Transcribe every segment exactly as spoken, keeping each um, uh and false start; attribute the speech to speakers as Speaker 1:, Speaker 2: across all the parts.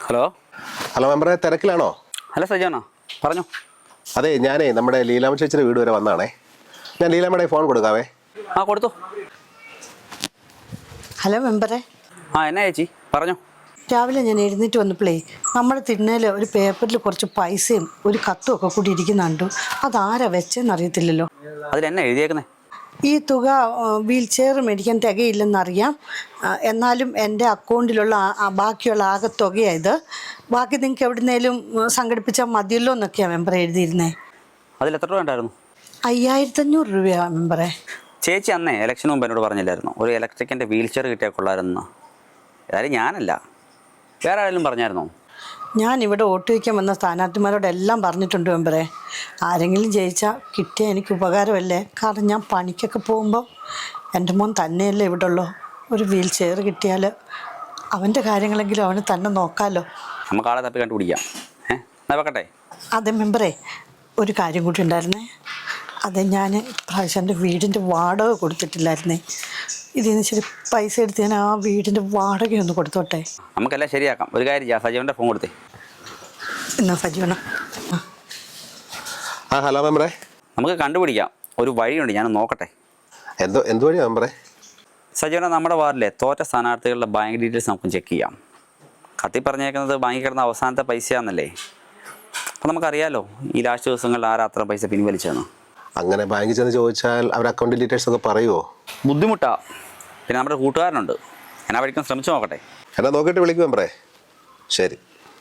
Speaker 1: Hello
Speaker 2: hello മെമ്പറെ, തിരക്കിലാണോ?
Speaker 1: Hello സജാണോ, പറഞ്ഞു.
Speaker 2: അതെ, ഞാനേ നമ്മുടെ ലീലാമ്മ ചേച്ചിയുടെ വീട് വരെ വന്നാണേ. ഞാൻ ലീലാമ്മയുടെ ഫോൺ കൊടുക്കാവേ.
Speaker 1: ആ കൊടുത്തു.
Speaker 3: ഹലോ മെമ്പറെ.
Speaker 1: ആ എന്നാ ചേച്ചി പറഞ്ഞു.
Speaker 3: രാവിലെ ഞാൻ എഴുന്നേറ്റ് വന്നപ്പോഴേ നമ്മുടെ തിണ്ണയിൽ ഒരു പേപ്പറിൽ കുറച്ച് പൈസയും ഒരു കത്തും ഒക്കെ കൂടി ഇരിക്കുന്നുണ്ട്. അതാരാ വെച്ചെന്ന് അറിയത്തില്ലല്ലോ.
Speaker 1: അതിലെന്നാ എഴുതിയേക്കുന്നേ?
Speaker 3: ഈ തുക വീൽ ചെയർ മേടിക്കാൻ തികയില്ലെന്നറിയാം, എന്നാലും എൻ്റെ അക്കൗണ്ടിലുള്ള ബാക്കിയുള്ള ആകെ തുകയായത്, ബാക്കി നിങ്ങൾക്ക് എവിടുന്നേലും സംഘടിപ്പിച്ചാൽ മതിയല്ലോ എന്നൊക്കെയാണ് മെമ്പറെ എഴുതിയിരുന്നേ.
Speaker 1: അതിൽ എത്ര രൂപ ഉണ്ടായിരുന്നു?
Speaker 3: അയ്യായിരത്തഞ്ഞൂറ് രൂപയാണ് മെമ്പറെ.
Speaker 1: ചേച്ചി അന്നേ ഇലക്ഷന് മുമ്പ് എന്നോട് പറഞ്ഞില്ലായിരുന്നു ഒരു ഇലക്ട്രിക്കിൻ്റെ വീൽ ചെയർ കിട്ടിയാൽ കൊള്ളാമായിരുന്നു? അതായത് ഞാനല്ല, വേറെ ആരെങ്കിലും പറഞ്ഞായിരുന്നോ?
Speaker 3: ഞാൻ ഇവിടെ വോട്ട് വയ്ക്കാൻ വന്ന സ്ഥാനാർത്ഥിമാരോടെല്ലാം പറഞ്ഞിട്ടുണ്ട് മെമ്പറെ, ആരെങ്കിലും ജയിച്ചാൽ കിട്ടിയാൽ എനിക്ക് ഉപകാരമല്ലേ. കാരണം ഞാൻ പണിക്കൊക്കെ പോകുമ്പോൾ എൻ്റെ മോൻ തന്നെയല്ലേ ഇവിടെ ഉള്ളൂ. ഒരു വീൽ ചെയർ കിട്ടിയാൽ അവൻ്റെ കാര്യങ്ങളെങ്കിലും അവന് തന്നെ നോക്കാമല്ലോ.
Speaker 1: നമുക്ക് ആളെ തപ്പി കണ്ടുപിടിക്കാം. ഏഹ് എന്നാ വെക്കട്ടെ.
Speaker 3: അതെ മെമ്പറെ, ഒരു കാര്യം കൂടി ഉണ്ടായിരുന്നേ. അതെ, ഞാൻ പ്രാവശ്യം എൻ്റെ വീടിൻ്റെ വാടക കൊടുത്തിട്ടില്ലായിരുന്നേ. ഇതിൽ നിന്ന് ശരി പൈസ എടുത്ത് ഞാൻ ആ വീടിൻ്റെ വാടകയൊന്ന് കൊടുത്തോട്ടെ.
Speaker 1: നമുക്കെല്ലാം ശരിയാക്കാം. ഒരു കാര്യം ചെയ്യാം, സജീവൻ്റെ ഫോൺ കൊടുത്തേ.
Speaker 3: എന്നാ സജീവന.
Speaker 2: ആ ഹലോ മെമ്പറെ.
Speaker 1: നമുക്ക് കണ്ടുപിടിക്കാം, ഒരു വഴിയുണ്ട്, ഞാൻ നോക്കട്ടെ.
Speaker 2: എന്തോ എന്ത് വഴിയാണ് മെമ്പറെ?
Speaker 1: സജീവന, നമ്മുടെ വാർഡിലെ തോറ്റ സ്ഥാനാർത്ഥികളുടെ ബാങ്ക് ഡീറ്റെയിൽസ് നമുക്ക് ചെക്ക് ചെയ്യാം. കത്തി പറഞ്ഞേക്കുന്നത് ബാങ്കിൽ കിടന്ന അവസാനത്തെ പൈസയാണെന്നല്ലേ. അപ്പം നമുക്കറിയാലോ ഈ ലാസ്റ്റ് ദിവസങ്ങളിൽ ആരാ അത്ര പൈസ പിൻവലിച്ചതെന്ന്.
Speaker 2: അങ്ങനെ ബാങ്കിൽ ചെന്ന് ചോദിച്ചാൽ അവർ അക്കൗണ്ട് ഡീറ്റെയിൽസ് ഒക്കെ പറയുമോ?
Speaker 1: ബുദ്ധിമുട്ടാ. പിന്നെ നമ്മുടെ കൂട്ടുകാരനുണ്ട്, ഞാൻ ആ വഴിക്കാൻ ശ്രമിച്ചു നോക്കട്ടെ.
Speaker 2: എന്നാ നോക്കിയിട്ട് വിളിക്കും മെമ്പറെ. ശരി.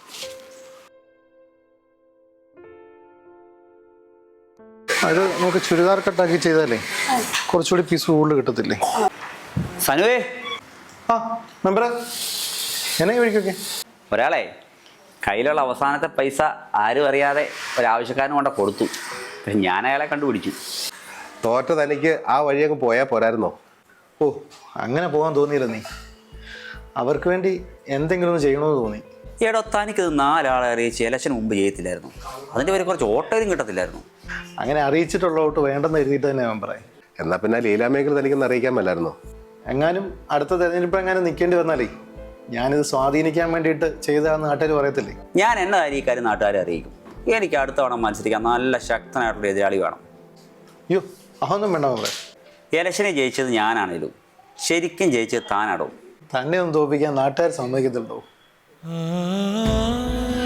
Speaker 4: അത് നമുക്ക് ചുരിദാർ കട്ടാക്കി ചെയ്താലേ കുറച്ചുകൂടി പീസ് കൂടുതൽ കിട്ടത്തില്ലേ?
Speaker 1: സനുവേ.
Speaker 4: ആ മെമ്പറെ, എന്നാ വഴിക്കൊക്കെ
Speaker 1: ഒരാളെ കയ്യിലുള്ള അവസാനത്തെ പൈസ ആരും അറിയാതെ ഒരാവശ്യക്കാരനും കൊണ്ട് കൊടുത്തു. പക്ഷെ ഞാൻ അയാളെ കണ്ടുപിടിച്ചു.
Speaker 2: തോറ്റ തനിക്ക് ആ വഴിയൊക്കെ പോയാൽ പോരായിരുന്നോ?
Speaker 4: ഓ, അങ്ങനെ പോകാൻ തോന്നിയില്ല. നീ അവർക്ക് വേണ്ടി എന്തെങ്കിലും ഒന്ന് ചെയ്യണമെന്ന് തോന്നി.
Speaker 1: എടോ, തനിക്കത് നാലാളെ അറിയിച്ച് ഇലക്ഷന് മുമ്പ് ചെയ്യത്തില്ലായിരുന്നു? അതിൻ്റെ പേര് കുറച്ച് ഓട്ടോയിലും കിട്ടത്തില്ലായിരുന്നു?
Speaker 4: അങ്ങനെ അറിയിച്ചിട്ടുള്ള ഔട്ട് വേണ്ടെന്ന് എഴുതിയിട്ട് തന്നെ മെമ്പറെ.
Speaker 2: എന്നാൽ പിന്നെ ലീലാമ്മയെങ്കിലും തനിക്കൊന്ന് അറിയിക്കാൻ മേലായിരുന്നോ?
Speaker 4: എങ്ങാനും അടുത്ത തെരഞ്ഞെടുപ്പ് എങ്ങാനും നിൽക്കേണ്ടി വന്നാലേ ഞാനിത് സ്വാധീനിക്കാൻ വേണ്ടിയിട്ട് ചെയ്തതാണെന്ന് നാട്ടുകാർ പറയത്തില്ലേ?
Speaker 1: ഞാൻ എന്നതായാലും ഈ കാര്യം നാട്ടുകാരെ അറിയിക്കും. എനിക്ക് അടുത്ത തവണ മത്സരിക്കാൻ നല്ല ശക്തനായിട്ടുള്ള എതിരാളി വേണം.
Speaker 4: അയ്യോ, അതൊന്നും വേണ്ട മെമ്പറെ.
Speaker 1: ഇലക്ഷനെ ജയിച്ചത് ഞാനാണേലും ശരിക്കും ജയിച്ചത് താനാടോ.
Speaker 4: തന്നെ ഒന്ന് തോൽപ്പിക്കാൻ നാട്ടുകാർ സമ്മതിക്കത്തുള്ളൂ.